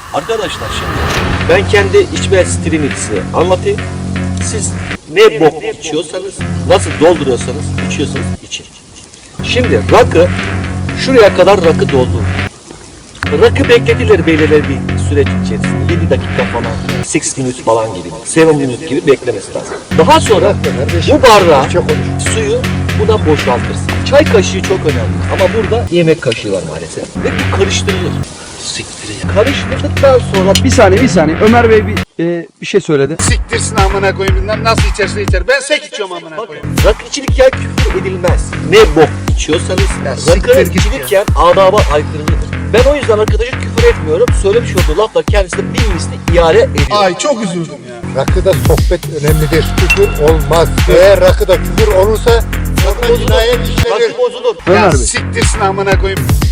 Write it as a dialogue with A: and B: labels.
A: Arkadaşlar şimdi ben kendi içme stilimi size anlatayım. Siz ne bok içiyorsanız, nasıl dolduruyorsanız, içiyorsanız için. Şimdi rakı, şuraya kadar rakı doldu. Rakı bekletilir beyler bir süreç içerisinde. 7 dakika falan, 6 minutes falan gibi, 7 minutes gibi beklemesi lazım. Daha sonra bu bardağı, suyu buna boşaltırsın. Çay kaşığı çok önemli ama burada yemek kaşığı var maalesef. Ve bu karıştırılır. Karıştırdıktan sonra
B: Bir saniye. Ömer Bey bir şey söyledi.
C: Siktirsin amına koyayım bilmem nasıl içerse içer. Ben sek içiyorum amına koyayım.
A: rakı içilirken küfür edilmez. Ne bok içiyorsanız
C: siktir
A: rakı
C: git
A: içilirken adaba aykırıdır. Ben o yüzden arkadaşa küfür etmiyorum. Söylemiş olduğu lafla kendisine bir misli iade ediyorum.
C: Ay çok üzüldüm ya.
D: Rakıda sohbet önemlidir. Küfür olmaz. Eğer rakıda küfür olursa
A: Rakı bozulur.
D: cinayet işlenir.
A: Rakı bozulur.
B: Ömer
C: Ya
B: Bey.
C: siktirsin amına koyayım.